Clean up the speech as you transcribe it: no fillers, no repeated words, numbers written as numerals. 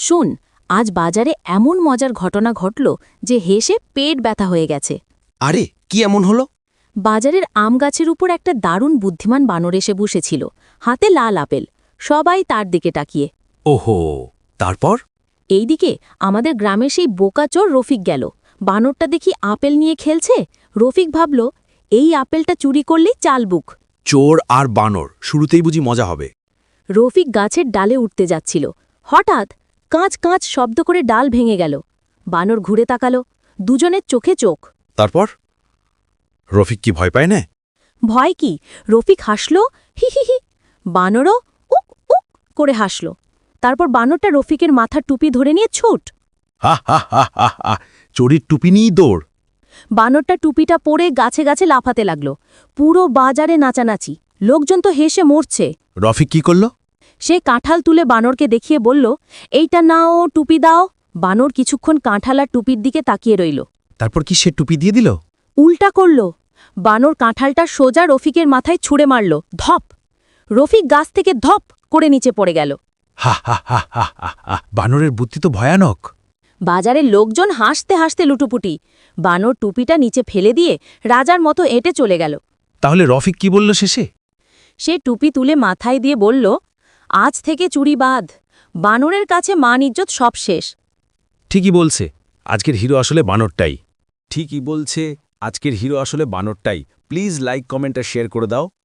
শোন, আজ বাজারে এমন মজার ঘটনা ঘটল যে হেসে পেট ব্যথা হয়ে গেছে। আরে কি এমন হলো? বাজারের আম গাছের উপর একটা দারুণ বুদ্ধিমান বানর এসে বসেছিল, হাতে লাল আপেল। সবাই তার দিকে তাকিয়ে। ওহো, তারপর? এইদিকে আমাদের গ্রামের সেই বোকাচোর রফিক গেল। বানরটা দেখি আপেল নিয়ে খেলছে। রফিক ভাবল, এই আপেলটা চুরি করলেই চালবুক। চোর আর বানর, শুরুতেই বুঝি মজা হবে। রফিক গাছের ডালে উঠতে যাচ্ছিল, হঠাৎ কাঁচ কাঁচ শব্দ করে ডাল ভেঙে গেল। বানর ঘুরে তাকালো, দুজনের চোখে চোখ। তারপর? রফিক কি ভয় পায় না? ভয় কি? রফিক হাসল, হি হি হি। বানরও উক উক করে হাসল। তারপর বানরটা রফিকের মাথার টুপি ধরে নিয়ে ছুট। হা হা হা হা হা, চোরির টুপি নিয়েই দৌড়। বানরটা টুপিটা পরে গাছে গাছে লাফাতে লাগল। পুরো বাজারে নাচানাচি, লোকজন তো হেসে মরছে। রফিক কি করল? সে কাঁঠাল তুলে বানরকে দেখিয়ে বলল, এইটা নাও, টুপি দাও। বানর কিছুক্ষণ কাঁঠাল আর টুপির দিকে তাকিয়ে রইল। তারপর কি সে টুপি দিয়ে দিল? উল্টা করল। বানর কাঁঠালটা সোজা রফিকের মাথায় ছুঁড়ে মারল, ধপ। রফিক গাছ থেকে ধপ করে নিচে পড়ে গেল। হা হা হা হা হা হা, বানরের বুদ্ধি তো ভয়ানক। বাজারের লোকজন হাসতে হাসতে লুটুপুটি। বানর টুপিটা নিচে ফেলে দিয়ে রাজার মতো এঁটে চলে গেল। তাহলে রফিক কি বলল শেষে? সে টুপি তুলে মাথায় দিয়ে বলল, আজ থেকে চুরি বাদ। বানরের কাছে মান ইজ্জত সব শেষ। ঠিকই বলছে, আজকের হিরো আসলে বানরটাই। ঠিকই বলছে, আজকের হিরো আসলে বানরটাই। প্লিজ লাইক, কমেন্ট আর শেয়ার করে দাও।